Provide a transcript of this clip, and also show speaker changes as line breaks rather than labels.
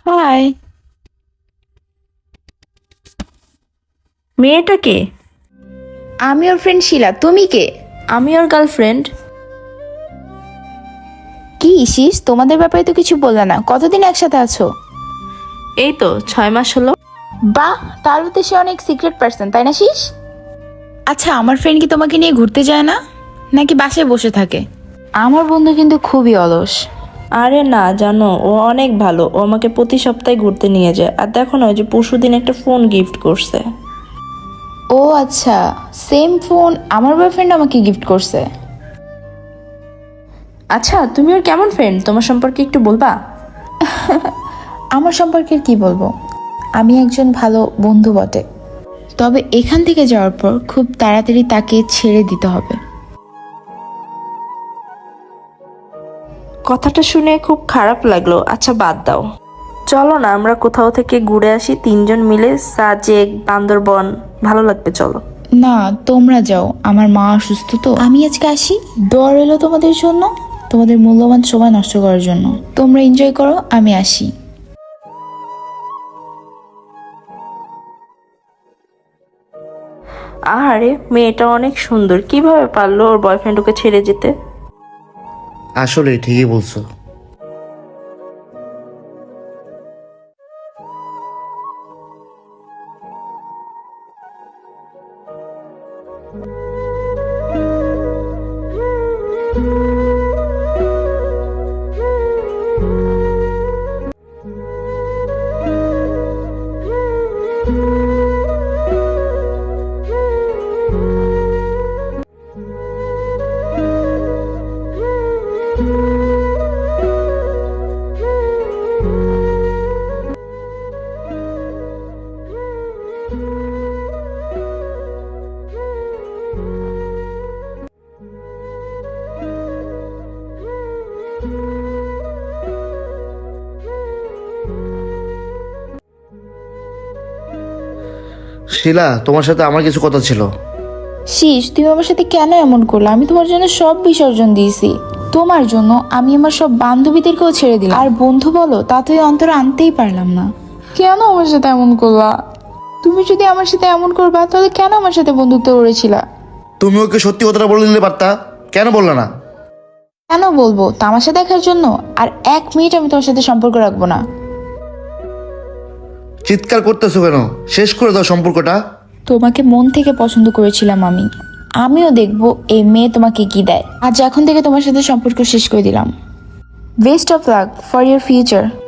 High.
মেয়েটা কে?
আমি ওর friend শিলা। তুমি কে?
আমি ওর গার্লফ্রেন্ড।
কি ইসিস, তোমাদের ব্যাপারে তো কিছু বললে না। কতদিন একসাথে আছো?
এই তো 6 মাস হলো।
বাহ, তাহলে তো সে অনেক সিক্রেট পার্সন, তাই না শীষ? আচ্ছা, আমার ফ্রেন্ড কি তোমাকে নিয়ে ঘুরতে যায় না, নাকি বাসায় বসে থাকে? আমার বন্ধু কিন্তু খুবই অলস।
আরে না, জানো ও অনেক ভালো। ও আমাকে প্রতি সপ্তাহে ঘুরতে নিয়ে যায়। আর দেখো না, ওই যে পরশুদিন একটা ফোন গিফট করছে।
ও আচ্ছা, সেম ফোন আমার বয়ফ্রেন্ড আমাকে গিফট করছে।
আচ্ছা, তুমি ওর কেমন ফ্রেন্ড? তোমার সম্পর্কে একটু বলবা?
আমার সম্পর্কে কি বলবো, আমি একজন ভালো বন্ধু বটে। তবে এখান থেকে যাওয়ার পর খুব তাড়াতাড়ি তাকে ছেড়ে দিতে হবে।
কথাটা শুনে খুব খারাপ লাগলো। আচ্ছা বাদ দাও, চলো না আমরা কোথাও থেকে ঘুরে আসি 3জন মিলে। সাজেক, বান্দরবন, ভালো লাগবে, চলো।
না, তোমরা যাও, আমার মা অসুস্থ তো। আমি আজকে আসি। দোয়া রইলো তোমাদের জন্য, তোমাদের মূল্যবান সময় নষ্ট করার জন্য। তোমরা এনজয় করো, আমি আসি।
আরে মেয়েটা অনেক সুন্দর, কিভাবে পারলো ওর বয়ফ্রেন্ড ওকে ছেড়ে যেতে?
আসলে ঠিকই বলছো। শিলা, তোমার সাথে আমার কিছু কথা ছিল।
শীষ, তুমি আমার সাথে কেন এমন করলে? আমি তোমার জন্য সব বিসর্জন দিয়েছি। তোমার জন্য আমি আমার সব বান্ধবীদেরকেও ছেড়ে দিলাম, আর বন্ধু বলো তা তুই অন্তরে আনতেই পারলাম না। কেন আমার সাথে এমন করলা? তুমি যদি আমার সাথে এমন করবা, তাহলে কেন আমার সাথে বন্ধুত্ব করেছিলা?
তুমি ওকে সত্যি কথাটা বলে নিতে পারতা, কেন বললা না?
কেন বলবো, তামাশা দেখার জন্য? আর 1 মিনিট আমি তোমার সাথে সম্পর্ক রাখবো না।
চিৎকার করতেছো কেন? শেষ করে দাও সম্পর্কটা।
তোমাকে মন থেকে পছন্দ করেছিলাম আমি। আমিও দেখবো এই মেয়ে তোমাকে কি দেয়। আজ এখন থেকে তোমার সাথে সম্পর্ক শেষ করে দিলাম। Best of luck for your future.